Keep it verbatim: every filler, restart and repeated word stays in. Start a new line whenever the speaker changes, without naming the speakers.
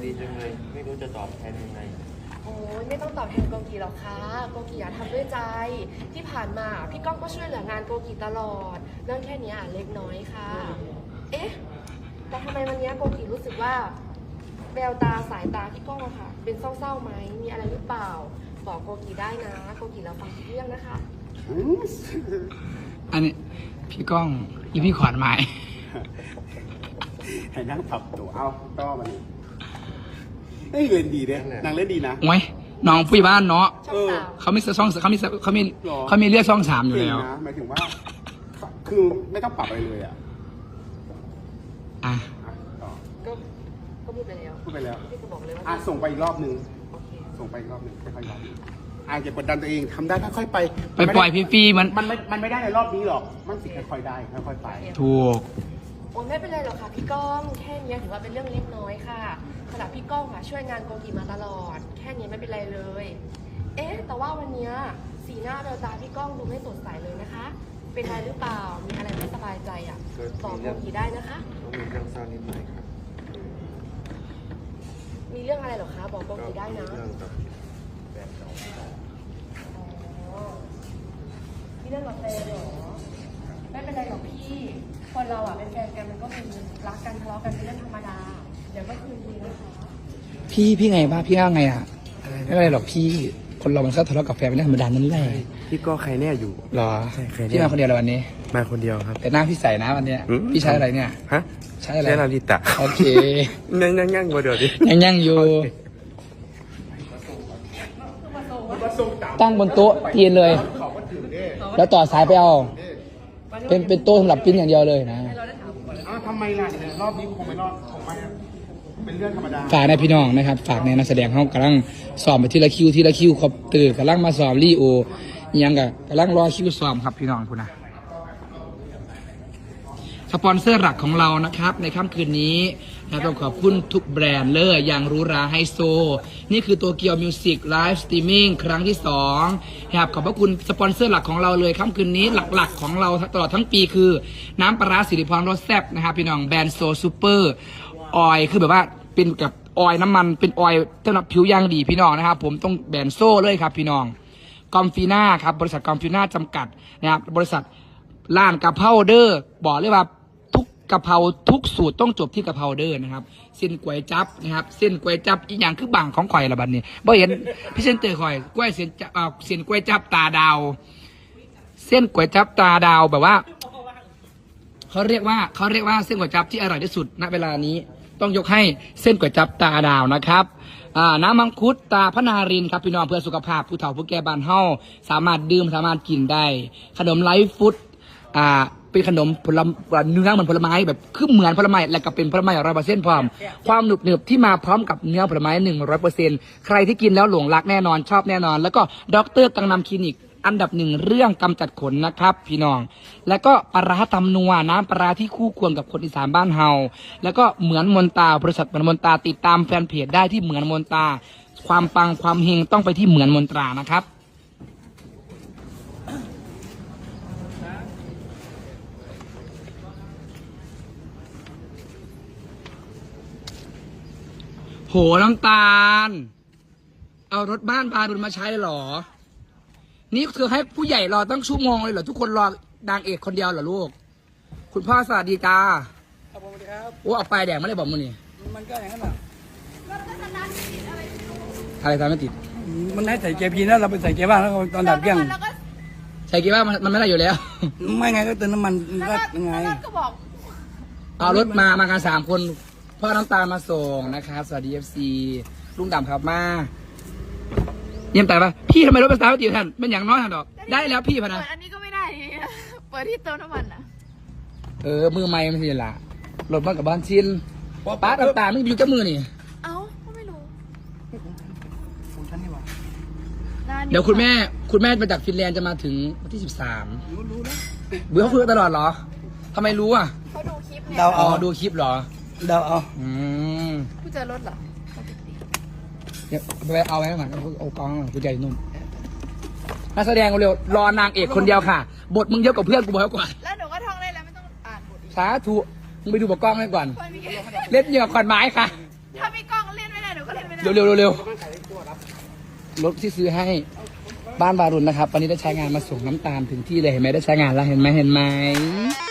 ดีจังเลยไม่รู้จะตอบแทนยังไง
โอ้ยไม่ต้องตอบแทนโกกีหรอกค่ะโกกีอะทำด้วยใจที่ผ่านมาพี่ก้องก็ช่วยเหลืองานโกกีตลอดเรื่องแค่นี้เล็กน้อยค่ะเอ๊ะแต่ทำไมวันนี้โกกีรู้สึกว่าแววตาสายตาพี่ก้องอะค่ะเป็นเศร้าๆไหมมีอะไรหรือเปล่าบอกโกกีได้นะโกกีเราฟังทุกเรื่องนะคะ
อันนี้พี่ก้องอีพี่ขวัญไม้
ให้นั่งปรับตัวเอาต่อมานี่เฮ้ยเล่นดีเนี่ยนางเล่นดีนะ
โอ้ยน้องผู้ใหญ่บ้านเนาะ
ช่องสาม
เขามีช่องเขามีเขามีเขามีเลือดช่องสามอยู่แล้ว
นะหมายถึงว่า คือไม่ต้องปรับอะไรเลยอ่ะ
อ่ะ
ต่อ
ก็ก็พูดไปแล้ว
พูดไปแล้ว
พี่ก็บอกเลยว่า
อ่ะส่งไปอีกรอบนึง
โอเค
ส่งไปอีกรอบนึงค่อยๆรอบนึงอ่ะอย่ากดดันตัวเองทำได้ค่อยๆไป
ไปปล่อยฟรีๆมัน
มันไม่มันไม่ได้ในรอบนี้หรอกมันสิค่อยๆได้ค่อยๆไป
ถูก
โอ้ยไม่เป็นไรหรอกค่ะพี่ก้องแค่นี้ถือว่าเป็นเรื่องเล็กน้อยค่ะขณะพี่ก้องอะช่วยงานโกกีมาตลอด แค่นี้ไม่เป็นไรเลย เอ๊ะแต่ว่าวันนี้สีหน้าแววตาพี่ก้องดูไม่สดใสเลยนะคะ เป็นอะไรหรือเปล่ามีอะไรไม่สบายใจอ่ะบอกโกกีได้นะคะ
ต้องมีเรื่องเศร้านิดหน่อยครับ
มีเรื่องอะไรหรอคะบอกโกกีได้นะ
เรื่องกับแฟนเก่าที่เรา
อ๋อมีเรื่องกับแฟนเหรอไม่เป็นไรหรอกพี่คนเราอ่ะเป็นแฟนกันมันก็เป็นรักกันทะเลาะกันเป็นเรื่องธรรมดาเดี๋ยวก็คืนดีนะคะ
พี่พี่ไงบ้าพี่ว่าไงอ่ะไม่เป็นไรหรอกพี่คนเรามันก็ทะเลาะกับแฟนเป็นเรื่องธรรมดานั่นแหละ
พี่ก็ใครแน่อยู่
หรอ
ใช่ใครเนี่ย
พี่มาคนเดียวเลยวันนี้
มาคนเดียวครับ
แต่หน้าพี่ใส่นะวันเนี้ย
อืม
พี่ใช้อะไรเนี่ย
ฮะ
ใช้อะไร
ใช่ลาลิตะ
โอเค
ยังยังยังบ่เดี๋ยวดิ
ยังยังอยู่ตั้งบนโต๊ะเตียนเลย แล้วต่อสายไปเอาเป็นเป็นโต๊ะสำหรับปิ้นอย่างเดียวเลยนะ
อ้าวทำไมล่ะเนี่ยรอบนี้คงไม่รอดคงไม่เป็นเรื่องธรรมดา
ฝากในพี่น้องนะครับ ฝากในนักแสดงเขากำลังสอบไปทีละคิวทีละคิวครบตื่นกำลังมาสอบรีโอยังกับกำลังรอคิวสอบครับพี่น้องคุณนะสปอนเซอร์หลักของเรานะครับในค่ำคืนนี้นะต้องขอบคุณทุกแบรนด์เลยอย่างหรูหราไฮโซนี่คือตัวเกียวมิวสิกไลฟ์สตรีมมิ่งครั้งที่สองนะครับขอบพระคุณสปอนเซอร์หลักของเราเลยค่ำคืนนี้หลักๆของเราตลอดทั้งปีคือน้ำปลาร้าสิริพรรสแซ่บนะครับพี่น้องแบรนด์โซซูเปอร์ออยคือแบบว่าเป็นกับออยน้ำมันเป็นออยสำหรับผิวย่างดีพี่น้องนะครับผมต้องแบรนด์โซ่เลยครับพี่น้องกอมฟีน่าครับบริษัทกอมฟีน่าจำกัดนะครับบริษัทร้านกะเพราเดอร์บอกเลยว่าทุกกะเพราทุกสูตรต้องจบที่กะเพราเดอร์นะครับเส้นก๋วยจั๊บนะครับเส้นก๋วยจั๊บอีกอย่างคือบางของข่อยละบัดนี้บ่เห็นพี่เส้นเตอร์ข่อยก๋วยเส้นเอ่อเส้นก๋วยจั๊บตาดาวเส้นก๋วยจั๊บตาดาวแบบว่าเขาเรียกว่าเขาเรียกว่าเส้นก๋วยจั๊บที่อร่อยที่สุดณเวลานี้ต้องยกให้เส้นก๋วยจั๊บตาดาวนะครับน้ำมังคุดตาพนารินครับพี่น้องเพื่อสุขภาพผู้เฒ่าผู้แก่บ้านเฮาสามารถดื่มสามารถกินได้ขนมไลฟ์ฟู้ดอ่าเป็นขนมผลไม้เนื้อเหมือนผลไม้แบบคือเหมือนผลไม้และก็เป็นผลไม้ร้อยเปอร์เซ็นต์พร้อมความหนุบหนึบที่มาพร้อมกับเนื้อผลไม้หนึ่งร้อยเปอร์เซ็นต์ใครที่กินแล้วหลงรักแน่นอนชอบแน่นอนแล้วก็ด็อกเตอร์กังนำคลินิกอันดับหนึ่งเรื่องกำจัดขนนะครับพี่น้องแล้วก็ปลาร้าตำนัวน้ำปลาร้าที่คู่ควรกับคนอีสานบ้านเฮาแล้วก็เหมือนมนตาบริษัทเหมือนมนตาติดตามแฟนเพจได้ที่เหมือนมนตาความปังความเฮงต้องไปที่เหมือนมนตรานะครับโหน้ำตาลเอารถบ้านพาดุลมาใช้เลยเหรอนี่คือให้ผู้ใหญ่รอตั้งชั่วโมงเลยเหรอทุกคนรอนางเอกคนเดียวเหรอลูกคุณพ่อสวัสดีจ้าครับผมสวัสดีครับโอ้เอาไปแดงไม่ได้บอกมึงนี่มันก็อย่างนั้นแหละอะไรทำไม่ติด
มันให้ใส่เกียร์พีนะเราไปใส่เกียร์บ้างแล้วตอนดับเครื่อง
ใส่เกียร์บ้างมันไม่ได้อยู่แล้ว
ไม่ไงก็เติมน้ำมันก็ยังไง
เอารถมามากันสามคนพ่อน้ำตาลมาส่งนะครับสวัสดีเอฟซีลุงดำครับมาเยี่ยมแต่ปะพี่ทำไมรถภาษาไม่ติดท่านเป็นอย่างน้อยท่านดอกได้แล้วพี่พนะ
อันนี้ก็ไม่ได้เปิดที่เติมน้ำมันอ่ะ
เออมือไม้ไม่ใช่ละรถบ้านกับบ้านชินป้าน้ำตาลไม่อยู่กับมือนี่
เอ้าก็ไม่รู้
ของฉันนี่หว่า
เดี๋ยวคุณแม่คุณแม่มาจากฟินแลนด์จะมาถึงวันที่สิบสาม
รู้รู้นะ
เบื่อเขาคุยตลอดเหรอทำไมรู้อ่ะ
เขาดูคลิปเนี่ย
เดาเอา
ดูคลิปเหรอ
เดาเอา
อืม
ผู้เจอรถเหรอ
เดี๋ยวไปเอาไว้ก่อนเอากองผู้ใหญ่นุ่มนักแสดงเร็วรอนางเอกคนเดียวค่ะบทมึงเยอะกว่าเพื่อนกูบอกก่อน
แล้วหนูก็ท่องได้แล้วไม่ต้องอ่านบท
สาธุมึงไปดูบทกล้องให้ก่อนเล่นเหยื่อขอนไม้ค่ะ
ถ้ามีกล้องเล่นไม่ได้หนูก็เล่นไม่ได้
เร็วเร็วเร็วเร็วรถที่ซื้อให้บ้านวารุณนะครับ วันนี้ได้ใช้งานมาส่งน้ำตาลถึงที่เลยเห็นไหมได้ใช้งานแล้วเห็นไหมเห็นไหม